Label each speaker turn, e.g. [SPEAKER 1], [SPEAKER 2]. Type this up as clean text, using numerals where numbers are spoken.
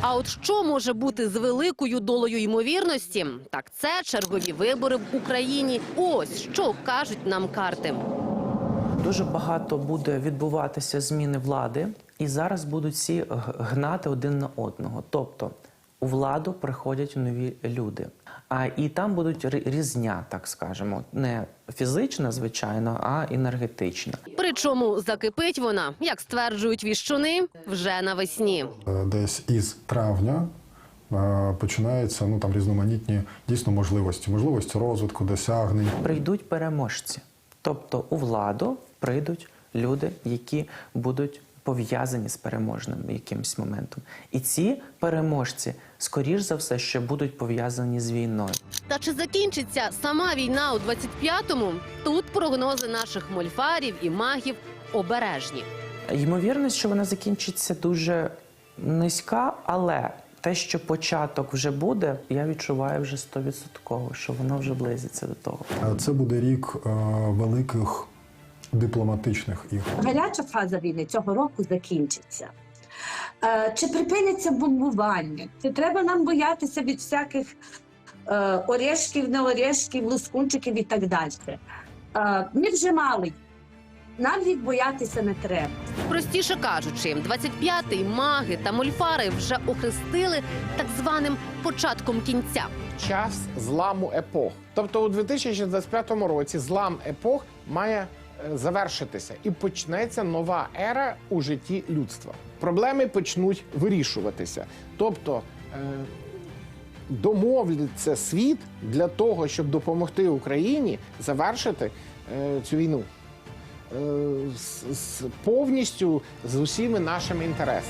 [SPEAKER 1] А от що може бути з великою долею ймовірності? Так це чергові вибори в Україні. Ось що кажуть нам карти.
[SPEAKER 2] Дуже багато буде відбуватися зміни влади, і зараз будуть всі гнати один на одного. Тобто у владу приходять нові люди. І там будуть різня, так скажемо, не фізична, звичайно, а енергетична.
[SPEAKER 1] Причому закипить вона, як стверджують віщуни, вже навесні.
[SPEAKER 3] Десь із травня починаються там різноманітні дійсно можливості розвитку, досягнень.
[SPEAKER 2] Прийдуть переможці. Тобто у владу прийдуть люди, які будуть пов'язані з переможним якимось моментом. І ці переможці, скоріш за все, що будуть пов'язані з війною.
[SPEAKER 1] Та чи закінчиться сама війна у 25-му? Тут прогнози наших мольфарів і магів обережні.
[SPEAKER 2] Ймовірність, що вона закінчиться дуже низька, але те, що початок вже буде, я відчуваю вже 100%, що воно вже близиться до того.
[SPEAKER 3] Це буде рік великих дипломатичних ігор.
[SPEAKER 4] Гаряча фаза війни цього року закінчиться. Чи припиниться бомбування? Чи треба нам боятися від всяких орешків, не орешків, лускунчиків і так далі? Ми вже мали. Нам їх боятися не треба.
[SPEAKER 1] Простіше кажучи, 25-й маги та мольфари вже охрестили так званим початком кінця.
[SPEAKER 5] Час зламу епох. Тобто у 2025 році злам епох має завершитися і почнеться нова ера у житті людства. Проблеми почнуть вирішуватися. Тобто домовляться світ для того, щоб допомогти Україні завершити цю війну повністю з усіма нашими інтересами.